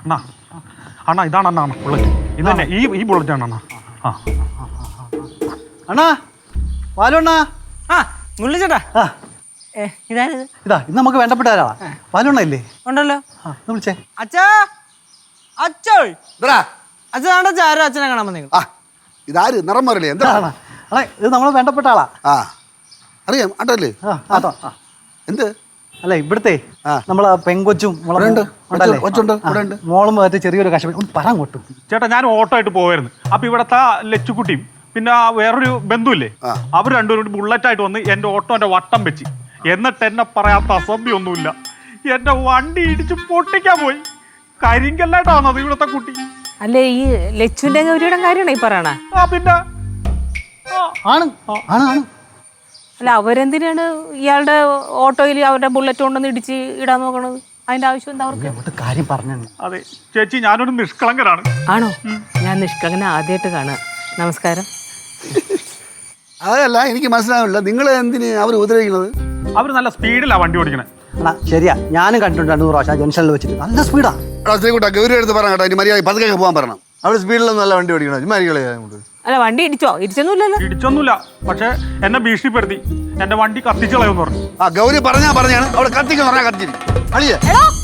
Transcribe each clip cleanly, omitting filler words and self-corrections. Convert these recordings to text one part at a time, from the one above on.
അണ്ണാ അണ്ണാ ഇതാണ് അണ്ണാ ബുള്ളറ്റ് ഇത് തന്നെ ഈ ബുള്ളറ്റ് ആണ് അണ്ണാ. ആ അണ്ണാ വാലു അണ്ണാ. ആ മുള്ളിച്ചേട്ടാ ഇതായത് ഇതാ ഇത് നമുക്ക് വേണ്ടപ്പെട്ട ആരാ വാലു അണ്ണ ഇല്ലേ? ഉണ്ടല്ലോ. ഒന്ന് വിളിച്ചേ. അച്ഛാ അച്ഛോ അച്ഛനാണോ ആരോ അച്ഛനെ കാണാൻ വന്നേ. ഇതാര് നിറം മാറില്ലേ എന്താ? അണ്ണാ ഇത് നമ്മളെ വേണ്ടപ്പെട്ട ആളാ. ആ അറിയാം ആട്ടല്ലേ. എന്ത് അല്ല ഇവിടുത്തെ നമ്മളെ പെങ്കൊച്ചും മോളും ചെറിയൊരു കഷ്ടപ്പെട്ട് ഒന്ന് പറയാൻ കൊട്ടും. ചേട്ടാ ഞാൻ ഓട്ടോ ആയിട്ട് പോവായിരുന്നു. അപ്പൊ ഇവിടത്തെ ലച്ചുക്കുട്ടിയും പിന്നെ വേറൊരു ബന്ധുവില്ലേ അവർ രണ്ടുപേരും കൂടി ബുള്ളറ്റായിട്ട് വന്ന് എന്റെ ഓട്ടോന്റെ വട്ടം വെച്ച് എന്നിട്ട് എന്നെ പറയാത്ത അസഭ്യമൊന്നുമില്ല എന്റെ വണ്ടി ഇടിച്ച് പൊട്ടിക്കാൻ പോയി. കരിങ്കല്ലായിട്ടാ വന്നത് ഇവിടത്തെ കുട്ടി. അല്ലേ ഈ ലച്ചുവിന്റെ ഗൗരിയുടെ കാര്യമാണ് ഈ പറയണ? ആ പിന്നെ ആണ് ആണ് ആണ്. അല്ല അവരെന്തിനാണ് ഇയാളുടെ ഓട്ടോയിൽ അവരുടെ ബുള്ളറ്റ് കൊണ്ടൊന്ന് ഇടിച്ച് ഇടാൻ നോക്കണത്? അതിന്റെ ആവശ്യം എന്താ അവർക്ക്? കാര്യം പറഞ്ഞു. അതെ ചേച്ചി ഞാനൊരു നിഷ്കളങ്കനാണ്. ആണോ? ഞാൻ നിഷ്കളങ്കനെ ആദ്യമായിട്ട് കാണുക. നമസ്കാരം. അതല്ല എനിക്ക് മനസ്സിലാവില്ല നിങ്ങൾ എന്തിന് അവർ ഉപദ്രവിക്കുന്നത്? അവർ നല്ല സ്പീഡിലാണ് വണ്ടി ഓടിക്കണേ. അണ്ണാ ശരിയാ ഞാനും കണ്ടിട്ടുണ്ട് 200 പ്രാവശ്യം ജംഗ്ഷനിൽ വെച്ചിട്ട് നല്ല സ്പീഡാ. ഗൗരി എടുത്ത് പറയാം കേട്ടോ ഇനി മര്യാദ പതുക്കെ പോകാൻ പറയണം. അവിടെ സ്പീഡിലൊന്നും നല്ല വണ്ടി ഓടിക്കണം. അല്ല വണ്ടി ഇടിച്ചൊന്നുമില്ലല്ലോ. ഇടിച്ചൊന്നുമില്ല പക്ഷെ എന്നെ ഭീഷണിപ്പെടുത്തി എന്റെ വണ്ടി കത്തിച്ചു കളയെന്ന് പറഞ്ഞു. ആ ഗൗരി പറഞ്ഞാണ് അവിടെ കത്തിക്കെന്ന് പറഞ്ഞാൽ കത്തിച്ചിരിക്കും. അളിയേ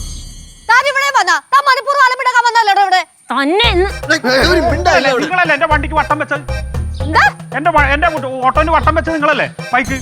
നിങ്ങളല്ലേ എന്റെ വണ്ടിക്ക് വട്ടം വെച്ചത്? എന്റെ ഓട്ടോന് വട്ടം വെച്ചത് നിങ്ങളല്ലേ? ബൈക്ക്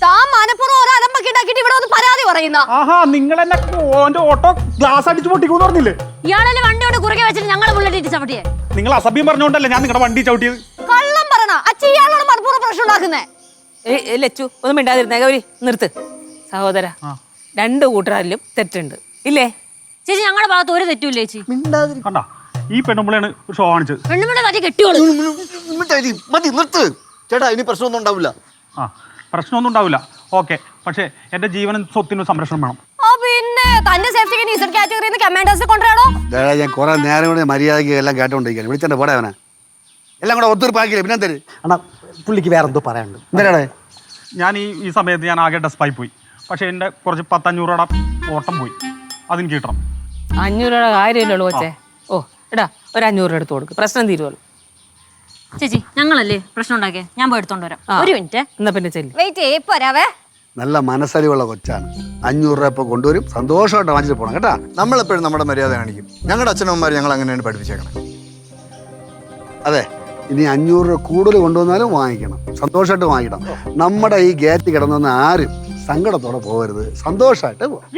ആഹാ നിങ്ങൾ എന്നെ എന്റെ ഓട്ടോ ഗ്ലാസ് അടിച്ചു പൊട്ടിക്കൂന്ന് പറഞ്ഞില്ലേ? ഇയാളല്ലേ വണ്ടിയോട് കുറുകെ വെച്ചിട്ട് ഞങ്ങളെ ബുള്ളറ്റ് ഇടിച്ച് ചവിട്ടിയേ? നിങ്ങൾ അസഭ്യം പറഞ്ഞോണ്ടല്ലേ ഞാൻ നിങ്ങളുടെ വണ്ടി ചവിട്ടിയത്? കള്ളം പറഞ്ഞ അച്ഛൻ ഇയാളോട് മനഃപൂർവ്വം പ്രശ്നം ഉണ്ടാക്കുന്നേ. ലച്ചു ഒന്നും മിണ്ടാതിരുന്നേ. ഗൗരി നിർത്ത്. സഹോദര 2 കൂട്ടരാലും തെറ്റുണ്ട് ഇല്ലേ? ചേച്ചി ഞങ്ങളുടെ ഭാഗത്ത് ഒരു തെറ്റുമില്ല ചേച്ചി. കണ്ടാ ഈ പെണ്ണുമ്പളാണ് ഷോ കാണിച്ചത്. പെണ്ണുമ്പിടെ തട്ടി കെട്ടിയോളൂ. മതി നിർത്ത് ചേട്ടാ, ഇനി പ്രശ്നമൊന്നും ഉണ്ടാവില്ല. ആ പ്രശ്നമൊന്നും ഉണ്ടാവില്ല. ഓക്കെ പക്ഷെ എന്റെ ജീവനും സ്വത്തിനും സംരക്ഷണം വേണം. പിന്നെ തന്റെ സേഫ്റ്റിക്ക് കാറ്റഗറിയിൽ കമാൻഡേഴ്സിനെ കൊണ്ടുവരാടോ. ഞാൻ കുറെ നേരം കൂടെ മര്യാദയ്ക്ക് എല്ലാം കേട്ടോണ്ടിരിക്കാൻ വിളിച്ചെന്റെ പോടെ അവനെ എല്ലാം കൂടെ ഒത്തുതീർപ്പാക്കിയില്ലേ പിന്നെ തരും. അണ്ണാ പുള്ളിക്ക് വേറെ എന്തോ പറയാനുണ്ട്. എന്തിനാണ് ഞാൻ ഈ സമയത്ത് ഞാൻ ആകെ ഡെസ്പായി പോയി. പക്ഷെ എന്റെ കുറച്ച് 10-500 രൂപയുടെ ഓട്ടം പോയി. അതെനിക്ക് കിട്ടണം. 500 രൂപയുടെ കാര്യമല്ലോ കൊച്ചേ. ഓ എടാ ഒരു 500 രൂപ എടുത്ത് കൊടുക്ക്, പ്രശ്നം തീരുമല്ലോ. ചേച്ചി ഞങ്ങളല്ലേ പ്രശ്നം ഉണ്ടാക്കിയ, ഞാൻ പോയി എടുത്തോണ്ട് വരാം. ഒരു മിനിറ്റ് എന്നാ പിന്നെ ചെല്ലി. വെയിറ്റ് ചെയ്യേ പോരാവേ. നല്ല മനസ്സലിവുള്ള കൊച്ചാണ്. 500 രൂപ ഇപ്പോൾ കൊണ്ടുവരും. സന്തോഷമായിട്ട് വാങ്ങിച്ചിട്ട് പോകണം കേട്ടാ. നമ്മളെപ്പോഴും നമ്മുടെ മര്യാദ കാണിക്കും. ഞങ്ങളുടെ അച്ഛനമ്മമാർ ഞങ്ങൾ അങ്ങനെയാണ് പഠിപ്പിച്ചേക്കണം. അതെ ഇനി 500 രൂപ കൂടുതൽ കൊണ്ടുവന്നാലും വാങ്ങിക്കണം. സന്തോഷമായിട്ട് വാങ്ങിക്കണം. നമ്മുടെ ഈ ഗേറ്റ് കിടന്നെന്ന് ആരും സങ്കടത്തോടെ പോകരുത്. സന്തോഷമായിട്ട് പോകാം.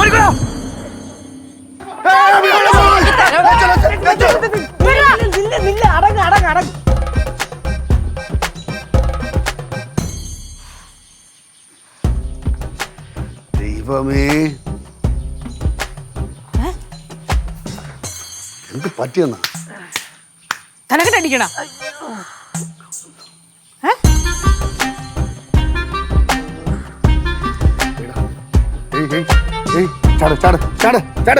ദൈവമേ എന്ത് പറ്റിയെന്നാ? തലക്കെട്ടടിക്കണ ചാട് ചാട് ചാട് ചാട്.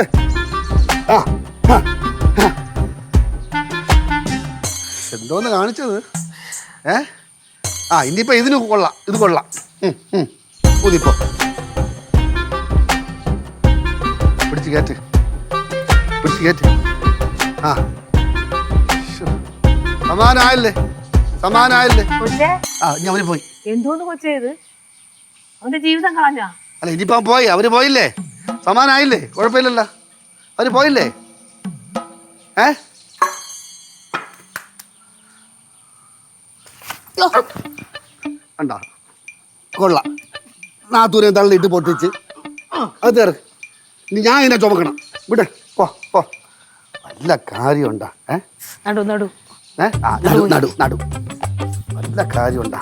എന്തോന്ന് കാണിച്ചത്? ഇനിയിപ്പോ ഇതിന് കൊള്ളാം. ഇത് കൊള്ളാം. ഊതിപ്പോ പിടിച്ച് കയറ്റ് പിടിച്ച് കയറ്റ്. സമാനായല്ലേ ഇനി അവര് പോയി. എന്തോന്ന് കൊച്ചേ ഇത്? അവന്റെ ജീവിതം കളഞ്ഞാ? അല്ല ഇനിയിപ്പോ പോയി. അവര് പോയില്ലേ? സമാനായില്ലേ? കുഴപ്പമില്ലല്ലോ. അവര് പോയില്ലേ? കണ്ടാ കൊള്ളാം. നാത്തൂരെ തള്ളിയിട്ട് പൊട്ടിച്ച് അത് തീർക്ക്. ഇനി ഞാൻ ഇതിനെ ചുമക്കണം. വിട് പോ പോ. വല്ല കാര്യമുണ്ടാ? നടു നടു നടു നടു വല്ല കാര്യമുണ്ടാ?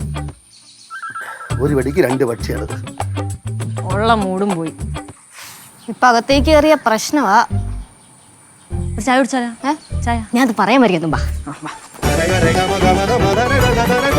ഒരു വെടിക്ക് 2 പക്ഷിയാണ്. ഉള്ള മൂടും പോയി. ഇപ്പൊ അകത്തേക്ക് കയറിയ പ്രശ്നമാ. ചായ കുടിച്ചാലോ? ചായ ഞാൻ പറയാൻ വരിക.